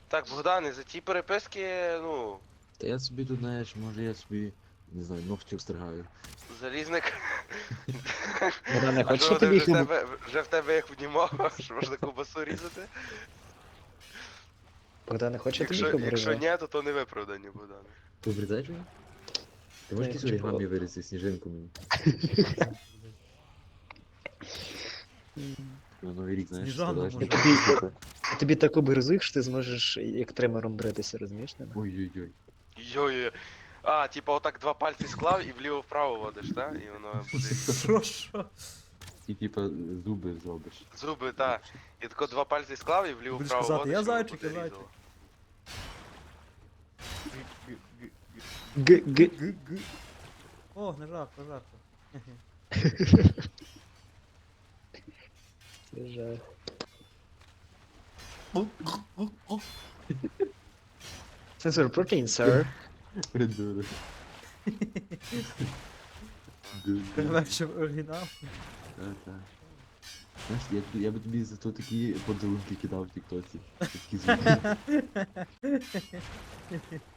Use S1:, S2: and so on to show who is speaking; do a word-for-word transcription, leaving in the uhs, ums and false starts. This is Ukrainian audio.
S1: Так, Богдане, за ті переписки, ну,
S2: Та я собі тут, знаєш, може я собі, не знаю, ногті встригаю.
S1: залізник.
S3: Богдане,
S1: А
S3: хочеш
S1: що
S3: я
S1: вони
S3: тобі
S1: вже в
S3: хліб...
S1: тебе, вже в тебе як внімав, що можна ковбасу різати?
S3: Богдане, хочеш я тобі
S1: Якщо,
S3: хліб
S1: якщо
S3: ріжу?
S1: ні, то то не виправдані, Богдане.
S2: Ти обрізаєш його? Ти
S3: Ні,
S2: можеш
S3: я
S2: якісь
S3: хочу
S2: оригамі
S3: по-
S2: вирізати, сніжинку мені? На Новий рік, знаєш,
S4: Сніжану
S2: складаєш
S4: може.
S2: таку
S3: Тобі,
S2: штуку.
S3: я тобі таку березу, що ти зможеш як тримером бритися, розумієш мене?
S2: Ой-ой-ой.
S1: Йой. А, типа отак два пальці склав і вліво-вправо водиш, так? І воно буде
S4: Що, що?
S2: І типа зуби зробиш.
S1: зуби, так. І тако два пальці склав і вліво-вправо
S4: Будеш казати,
S1: водиш,
S4: «Я
S1: і воно
S4: зайчик,
S1: буде
S4: я зайчик».
S1: різало.
S3: Г-г.
S4: Г-г. О, не жарко, жарко.
S3: Це жах. Сенсор протеin, sir.
S2: Придурок. Ду-ду.
S4: Перевершив оригінал.
S2: Так, так. Знаєш, я, тобі- я би тобі за то такі подарунки кидав в тіктоці. Такі зуби.